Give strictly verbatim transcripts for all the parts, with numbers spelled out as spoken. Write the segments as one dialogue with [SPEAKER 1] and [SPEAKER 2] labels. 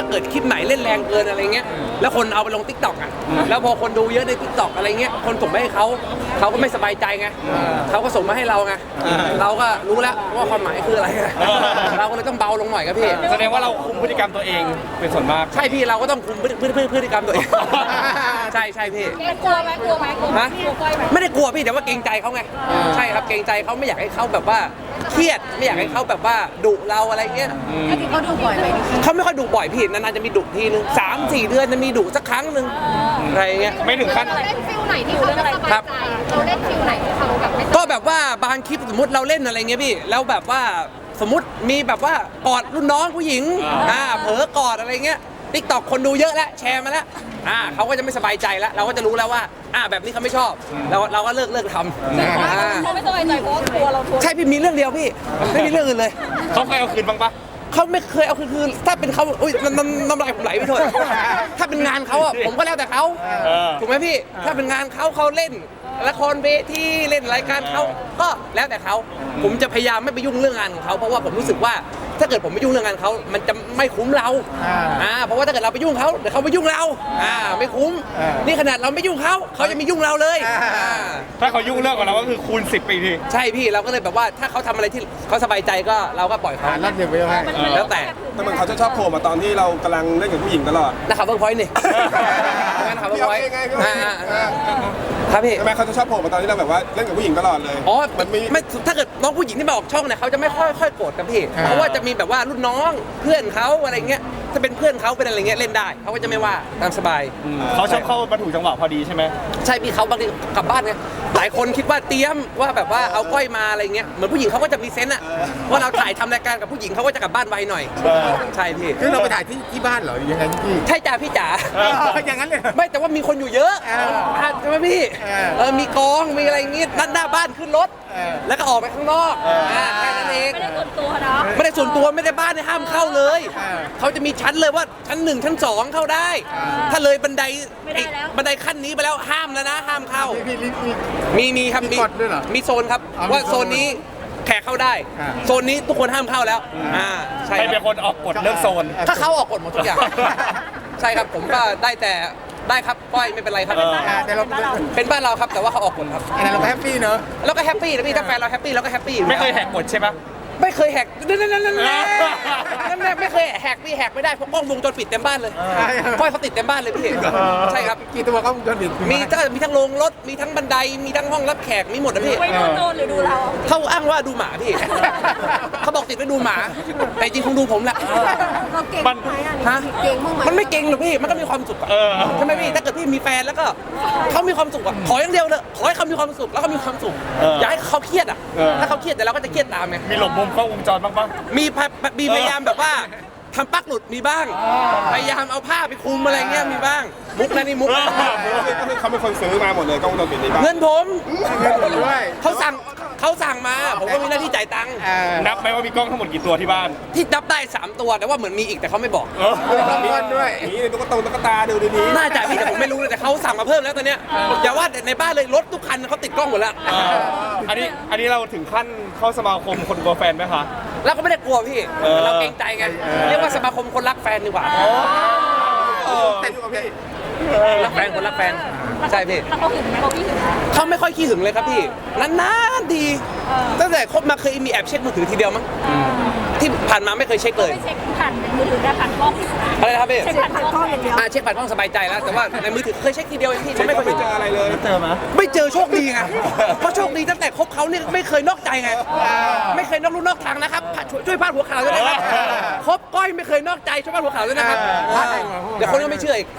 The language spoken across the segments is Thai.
[SPEAKER 1] เกิดคลิปไหนเล่นแรงเกินอะไรเงี้ยแล้วคนเอาไปลงทิกตอกอ่ะแล้วพอคนดูเยอะในทิกตอกอะไรเงี้ยคนส่งไปให้เขาเขาก็ไม่สบายใจไงเขาก็ส่งมาให้เราไงเราก็รู้แล้วว่าความหมายคืออะไรเราก็เลยต้องเบาลงหน่อยครับพี่
[SPEAKER 2] แสดงว่าเราคุมพฤติกรรมตัวเองเป็นส่วนมาก
[SPEAKER 1] ใช่พี่เราก็ต้องคุมพฤติพฤติกรรมตัวเองใช่ใช่พี่
[SPEAKER 3] กลัวไหมกลัวไหมกลัวไหม
[SPEAKER 1] ไม่ได้กลัวพี่แต่ว่าเกรงใจเขาไงใช่ครับเกรงใจเขาไม่อยากให้เขาแบบว่าเครียดไม่อยากให้เขาแบบว่าดุเราอะไรเงี้ย
[SPEAKER 3] เขาดุบ่อยไหม
[SPEAKER 1] เขาไม่ค่อยดุบ่อยพี่นานๆจะมีดุทีนึงสามสี่เดือนจะมีดุสักครั้งหนึ่งอะไรเงี้ย
[SPEAKER 2] ไม่ถึงขั้น
[SPEAKER 3] เราเล่นฟิลไหนที่เขาจะสบายใจเราเล่นฟิลไหนที่เขาแบบไม่
[SPEAKER 1] ก็แบบว่าบางคลิปสมมติเราเล่นอะไรเงี้ยพี่แล้วแบบว่าสมมติมีแบบว่ากอดรุ่นน้องผู้หญิงอ่าเผลอกอดอะไรเงี้ยติ๊กต็อกคนดูเยอะแล้วแชร์มาแล้วอ่าเขาก็จะไม่สบายใจแล้วเราก็จะรู้แล้วว่าอ่าแบบนี้เขาไม่ชอบเราเราก็เลิกเลิกทำ
[SPEAKER 3] เขาไม่สบายใจเพราะกลัวเราทน
[SPEAKER 1] ใช่พี่มีเรื่องเดียวพี่ไม่มีเรื่องอื่นเลย
[SPEAKER 2] เขาเคยเอาคืนบ้างปะ
[SPEAKER 1] เขาไม่เคยเอาคือคือถ้าเป็นเขาอุ้ยน้ำน้ำลายผมไหลไปเถอะถ้าเป็นงานเขาอ่ะผมก็แล้วแต่เขาถูกไหมพี่ถ้าเป็นงานเขาเขาเล่นละครเวทีเล่นรายการเขาก็แล้วแต่เขาผมจะพยายามไม่ไปยุ่งเรื่องงานของเขาเพราะว่าผมรู้สึกว่าถ้าเกิดผมไม่ยุ่งเรื่องงานเขามันจะไม่คุ้มเราอ่าเพราะว่าถ้าเกิดเราไปยุ่งเขาเดี๋ยวเขาไปยุ่งเราอ่าไม่คุ้มนี่ขนาดเราไม่ยุ่งเขาเขาจะมียุ่งเราเลย
[SPEAKER 2] ถ้าเขายุ่งเรื่องของเราก็คือคูณสิบปีที
[SPEAKER 1] ใช่พี่เราก็เลยแบบว่าถ้าเขาทำอะไรที่เขาสบายใจก็เราก็ปล่อยเขา
[SPEAKER 4] รับเดี๋ยวไปให้
[SPEAKER 1] แล้วแต่
[SPEAKER 5] แต่มันเขาจะชอบโผล่มาตอนที่เรากำลังเล่นกับผู้หญิงตลอด
[SPEAKER 1] นะครับเวิร์กพอยต์นี่นะครับเวิร์กพอยต์ครับพี่
[SPEAKER 5] ทำไมเขาจะชอบโผล่มาตอนที่เราแบบว่าเล่นกับผู้หญิงตลอดเลย
[SPEAKER 1] อ๋อมันไม่ถ้าเกิดน้องผู้หญิงที่มาออกช่องเนี่ยเขาจะไม่ค่อยค่อยโกรธกันพี่เพราะว่าจะมีแบบว่ารุ่นน้องเพื่อนเขาอะไรเงี้ยถ้าเป็นเพื่อนเขาเป็นอะไรเงี้ยเล่นได้เขาก็จะไม่ว่าตามสบาย
[SPEAKER 2] เขาชอบเข้ามาถูกจังหวะพอดีใช่ไหม
[SPEAKER 1] ใช่พี่เขาบางทีกลับบ้านไงหลายคนคิดว่าเตรียมว่าแบบว่าเอาก้อยมาอะไรเงี้ยเหมือนผู้หญิงเขาก็จะมีเซนส์อะว่าเราถ่ายทำรายการกับผู้หญิงเขาก็จะกลับบ้านไวหน่อยใช่พี่
[SPEAKER 4] คือเราไปถ่ายที่ที่บ้านเหรอยังไงพี่
[SPEAKER 1] ใช่จ่าพี่จ๋า
[SPEAKER 4] อย่างนั้นเลย
[SPEAKER 1] ไม่แต่ว่ามีคนอยู่เยอะใช่ไหมพี่เออมีกองมีอะไรงี้ด้านหน้าบ้านขึ้นรถแล้วก็ออกไปข้างนอกแค่นั้นเอง
[SPEAKER 3] ไม่ได้ส่วนตัวนะ
[SPEAKER 1] ไม่ได้ส่วนตัวไม่ได้บ้านในห้ามเข้าเลยเขาจะมีชั้นเลยว่าชั้นหนึ่งชั้นสองเข้าได้ถ้าเลยบันไดบันไดขั้นนี้ไปแล้วห้ามแล้วนะห้ามเข้ามีมีครับมีมีโซนครับว่าโซนนี้แขกเข้าได้โซนนี้ทุกคนห้ามเข้าแล้วอ่า
[SPEAKER 2] ใช่ใครเป็นคนออกกฎเรื่องโซน
[SPEAKER 1] ถ้าเขาออกกฎหมดทุกอย่างใช่ครับผมก็ได้แต่ได้ครับก้อยไม่เป็นไรครับ
[SPEAKER 4] แต่เรา
[SPEAKER 1] เป็นบ้านเราครับแต่ว่าเขาออกกฎครับ
[SPEAKER 4] เราก็แฮปปี้เนอะ
[SPEAKER 1] เราก็แฮปปี้นะพี่ถ้าแฟนเราแฮปปี้เราก็แฮปปี้
[SPEAKER 2] ไม่เคยแหกกฎใช่ปะ
[SPEAKER 1] ไม่เคยแหกนั่นนั่นนั่นนั่นนั่นไม่เคยแหกพี่แหกไม่ได้เพราะกล้องวงจรปิดเต็มบ้านเลยก้อยเขาติดเต็มบ้านเลยพี่ใช่ครับ
[SPEAKER 4] กี่ตัวกล้องวงจรปิด
[SPEAKER 1] มีทั้งมีทั้งโรงรถมีทั้งบันไดมีทั้งห้องรับแขกมีหมดนะพี่
[SPEAKER 3] ไปดูโจรหรือดูเรา
[SPEAKER 1] เขาอ้างว่าดูหมาพี่เขาบอกติดไว้ดูหมาแต่จริงคงดูผมแหละ
[SPEAKER 3] เราเก่งไหม
[SPEAKER 1] ฮะ
[SPEAKER 3] เก่งมั้งไหม
[SPEAKER 1] มันไม่เก่งหรอกพี่มันก็มีความสุขใช่ไหมพี่ถ้าเกิดพี่มีแฟนแล้วก็เขามีความสุขอ่ะขออย่างเดียวเลยขอให้เขามีความสุขแล้วก็มีความสุขอย่าให้เขาเครียดอ่ะถ้าเขาเครียดแต่เราก็จะเครียดตามไง
[SPEAKER 2] มีหลบมุมกล้องวงจรบ้างปะ
[SPEAKER 1] มีมีพยายามแบบว่าทำปลั๊กหลุดมีบ้างพยายามเอาผ้าไปคลุมอะไรเงี้ยมีบ้างมุกนะนี่มุก
[SPEAKER 5] ก็คือเขาเป็นคนซื้อมาหมดเลยกล้องวงจรปิดนี่บ้าง
[SPEAKER 1] เงินผม
[SPEAKER 4] เงินผมด้วย
[SPEAKER 1] เขาสั่งเขาสั่งมาผมก็มีหน้าที่จ่ายตังค์
[SPEAKER 2] นับไหมว่ามีกล้องทั้งหมดกี่ตัวที่บ้าน
[SPEAKER 1] ที่นับได้สามตัวแต่ว่าเหมือนมีอีกแต่เขาไม่บอก
[SPEAKER 4] มีเงินด้วย
[SPEAKER 5] นี่ตุ๊กตาตุ๊กตาดูดี
[SPEAKER 1] ๆน่าจะพี่แต่ผมไม่รู้เลยแต่เขาสั่งมาเพิ่มแล้วตอนเนี้ยอย่าว่าในบ้านเลยรถทุกคันเขาติดกล้องหมดแล้ว
[SPEAKER 2] อันนี้อันนี้เราถึงขั้นเข้าสมาคมคนกลัวแฟนไหมคะ
[SPEAKER 1] เราก็ไม่ได้กลัวพี่เราเกรงใจไงเรียกว่าสมาคมคนรักแฟนดีกว่า
[SPEAKER 4] แต่ดูกับพี่
[SPEAKER 1] รักแฟนคนรักแฟนใช่พี่
[SPEAKER 3] เขาหึงไหมเขาพี่หึง
[SPEAKER 1] เขาไม่ค่อยขี้หึงเลยครับพี่นานๆดีตั้งแต่คบมาเคยมีแอบเช็คมือถือทีเดียวมั้งที่ผ่านมาไม่เคยเช็คเลย
[SPEAKER 3] เช็คผ่านมือถือได้ผ่านกล้อง
[SPEAKER 1] อะไรนะครับพี่
[SPEAKER 3] เช็คผ่านกล้องอย่างเดียว
[SPEAKER 1] อ่าเช็คผ่านกล้องสบายใจแล้วแต่ว่าในมือถือเคยเช็คทีเดียวเองพี่ไม่เคย
[SPEAKER 5] เจออะไรเลย
[SPEAKER 2] เจอไหม
[SPEAKER 1] ไม่เจอโชคดีไงเพราะโชคดีตั้งแต่คบเขาเนี่ยไม่เคยนอกใจไงไม่เคยนอกลู่นอกทางนะครับช่วยพาดหัวข่าวด้วยนะครับคบก้อยไม่เคยนอกใจช่วยพาดหัวข่าวด้วยนะครับเดี๋ยวคนก็ไม่เชื่ออีก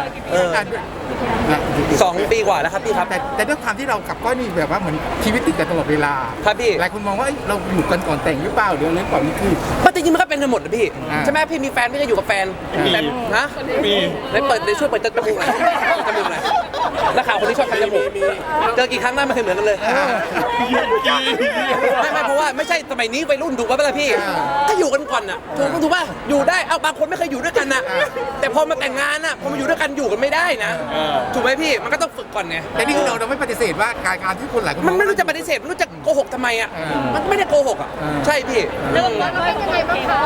[SPEAKER 1] สองปีกว่าแล้วครับพี่ครับ
[SPEAKER 4] แต่แต่ด้วยความที่เรากับก้อยนี่แบบว่าเหมือนชีวิตติดกันตลอดเวลา
[SPEAKER 1] ครับพี่
[SPEAKER 4] หลายคนมองว่าเราอยู่กันก่อนแต่งหรือเปล่าหรืออะไรก่อนนี่คือ
[SPEAKER 1] มันจริงๆมันก็เป็นกันหมดนะพี่ใช่ไหมพี่มีแฟนพี่ก็อยู่กับแฟนแต่นะ
[SPEAKER 2] มี
[SPEAKER 1] ในเปิดในช่วยเปิดจมูกหน่อยจมูกหน่อยนักข่าวคนที่ชอบทำจมูกเจอกี่ครั้งได้ไม่เคยเหมือนกันเลยไม่ไม่เพราะว่าไม่ใช่สมัยนี้วัยรุ่นถูกป่ะล่ะพี่ถ้าอยู่กันก่อนอ่ะถูกถูกป่ะอยู่ได้เอาบางคนไม่เคยอยู่ด้วยกันนะแต่พอมาแต่งงานอ่ะพอมาอยู่ด้วยกันอยู่กันไม่ได้นะถูกไหมพี่มันก็ต้องฝึกก่อนไง
[SPEAKER 4] แต่นี่คือเราเราไม่ปฏิเสธว่าการการที่คนหลายคน
[SPEAKER 1] มันไม่รู้จะปฏิเสธไม่รู้จะโกหกทำไมอ่ะมันไม่ได้โกหกอ่ะใช่พี่
[SPEAKER 3] แล้วแล้วเป็นยังไงบ้างคะ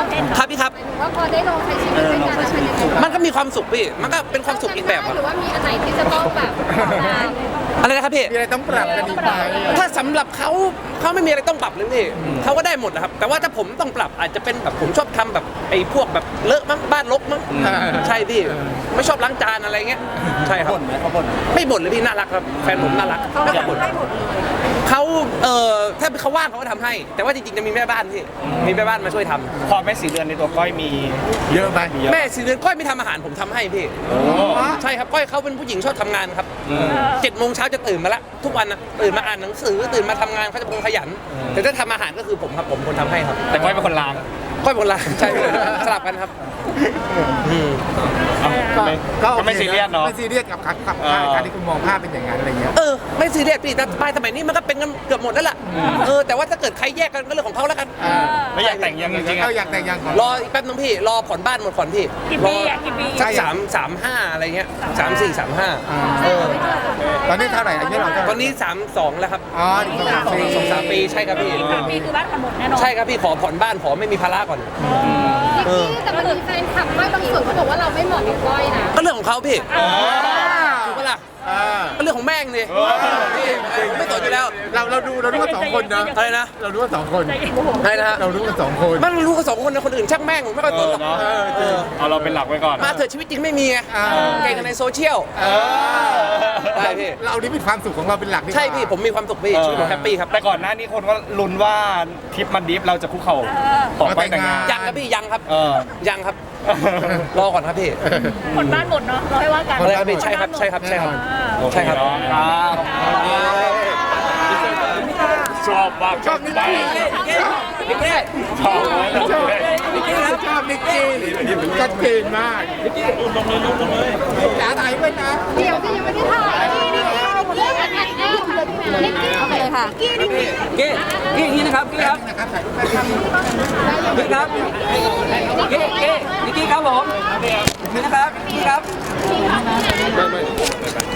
[SPEAKER 1] ครับพี่ครับ
[SPEAKER 3] ว่าพอได้ลองใช้ชีวิตด้วยกันแล้วเป็นยังไงบ้าง
[SPEAKER 1] มันก็มีความสุขพี่มันก็เป็นความสุขอีกแบบค
[SPEAKER 3] ห
[SPEAKER 1] รับ
[SPEAKER 3] รือว่ามีอันไหนที่จะต้องแบบตาม
[SPEAKER 1] อะไรนะครับพี่
[SPEAKER 4] มีอะไรต้องปรับกันอีกไหม
[SPEAKER 1] ถ้าสำหรับเขาเขาไม่มีอะไรต้องปรับเลยพี่เขาก็ได้หมดนะครับ แต่ว่าถ้าผมต้องปรับอาจจะเป็นแบบผมชอบทำแบบไอ้พวกแบบเลอะมั้งบ้านรกมั้งใช่พี่ไม่ชอบล้างจานอะไรเงี้ยใช่ครับบ่นไหมเขาบ่นไม่บ่นเลยพี่น่ารักครับแฟนผมน่ารักไม่เคยบ่นเขาเอ่อถ้าเขาว่างเขาก็ทำให้ แต่ว่าจริงๆจะมีแม่บ้านพี่มีแม่บ้านมาช่วยทำ
[SPEAKER 2] ความแม่สีเดือนในตัวก้อยมี
[SPEAKER 4] เยอะไหม
[SPEAKER 1] แม่สี่เดือนก้อยไม่ทำอาหารผมทำให้พี่ใช่ครับก้อยเขาเป็นผู้หญิงชอบทำงานครับเจ็ดโมงเช้าจะตื่นมาละทุกวันนะตื่นมาอ่านหนังสือตื่นมาทำงานเขาจะเป็นคนขยัน แต่ถ้าทำอาหารก็คือผมครับผมคนทำให้ครับ
[SPEAKER 2] แต่ก้อยเป็นคนล้าง
[SPEAKER 1] ก้อยเป็นคนละใช่สลับกันครับอืม
[SPEAKER 4] ก็
[SPEAKER 2] ก็ไม่ซีเรียสเนาะ
[SPEAKER 4] ไม่ซีเรียสกับกับกับการที่คุณมองภาพเป็นอย่างนั้นอะไรเงี้ย
[SPEAKER 1] เออไม่ซีเรียสพี่แต่ไปสมัยนี้มันก็เป็นกันเกือบหมดแล้วล่ะเออแต่ว่าถ้าเกิดใครแยกกันก็เรื่องของเขาแล้วกัน
[SPEAKER 2] ไม่อยากแต่งยังจริงๆ
[SPEAKER 4] เขา
[SPEAKER 2] อะ
[SPEAKER 4] อยากแต่งยังก่อน
[SPEAKER 1] รออีกแป๊บนึงพี่รอผ่อนบ้านหมดผ่อนพี่
[SPEAKER 6] กี่
[SPEAKER 1] ร
[SPEAKER 6] ปี
[SPEAKER 1] อ
[SPEAKER 6] อ่ะกี่ปี
[SPEAKER 1] สักสามสามห้าอะไรเงี้ยสามสี่สามห้า
[SPEAKER 4] อ่า
[SPEAKER 1] เออ
[SPEAKER 4] ตอนนี้เท่าไหร่อายุเราเท่าไหร่
[SPEAKER 1] ตอนนี้สามสองแล้วครับ
[SPEAKER 4] อ๋ออีกสองปี
[SPEAKER 1] สองสามปีใช่ครับพี่
[SPEAKER 6] อีกสามปีคือบ้านผ่อนหมดแน่นอน
[SPEAKER 1] ใช่ครับพี่ขอผ่อนบ้านขอไม่มีภาระก่อน
[SPEAKER 3] นิกกี้แต่มันมีแฟนคลับก้อยบางส่วนเขาบอกว่าเราไม่เหมาะกับก้อยนะ
[SPEAKER 1] ก็เรื่องของเขาพี่ถูกปะล่ะ
[SPEAKER 4] อ่า
[SPEAKER 1] ก็เรื่องของแม่งดิพี่ผมไม่สนอยู่แล้ว
[SPEAKER 4] เราเราดูเราดูกันสองคนนะ
[SPEAKER 1] อะไรนะ
[SPEAKER 4] เราดูกันสองคน
[SPEAKER 6] ใจเย็นโมโห
[SPEAKER 1] อะไรนะฮะ
[SPEAKER 4] เราดูกันสองคน
[SPEAKER 1] มันรู้กันสองคนนะคนอื่นช่างแม่งผมไม่ค่อยสนหรอก
[SPEAKER 2] เออเนาะ
[SPEAKER 1] เออ
[SPEAKER 2] เอาเราเป็นหลักไว้ก่อน
[SPEAKER 1] มาเถอะชีวิตจริงไม่มีไง
[SPEAKER 4] อ่า
[SPEAKER 1] เก่งกันในโซเชียล
[SPEAKER 4] เออ
[SPEAKER 1] ได้พี่
[SPEAKER 4] เรานี่มีความสุขของเราเป็นหลักดีกว่า
[SPEAKER 1] ใช่พี่ผมมีความสุขพี่ชีวิตผมแฮปปี้ครับ
[SPEAKER 2] แต่ก่อนหน้านี้คนก็ลุ้นว่าทริปมันดิฟเราจะคุกเข่าขอก้อยแต่งงาน
[SPEAKER 1] ยังครับพี่ยังครับ
[SPEAKER 2] เออ
[SPEAKER 1] ยังครับ รอก่อนครับพี่
[SPEAKER 6] ผ่อนบ้านหมดเนาะเราให้ว่ากัน
[SPEAKER 1] อะไรครับพี่ใช่ครับใช่ครับใช่ครับ
[SPEAKER 2] โอเค
[SPEAKER 1] ใช่ครับ
[SPEAKER 2] เนาะครับชอบมาก
[SPEAKER 4] ชอบนิกกี้
[SPEAKER 1] นิกกี้
[SPEAKER 2] ชอบมาก
[SPEAKER 4] ชอบนิกกี้ครับชอบนิกกี้ชัดเจนมากนิกกี้ลงเลยลงเลยจ๋าถ่ายไว้นะ
[SPEAKER 3] เดี๋ยวก็ยังไม่ได้ถ่ายนิกกี้นิกกี้นิกกี้เอาไปเลยค่ะนิกกี้นิกกี้
[SPEAKER 1] เก้เก้อย่างนี้นะครับเก้ครับ
[SPEAKER 4] นะครับถ่ายรูปแป๊บนึง
[SPEAKER 1] เก้ครับเก้เก้นิกกี้ครับผมนี่นะครับนี่ครับ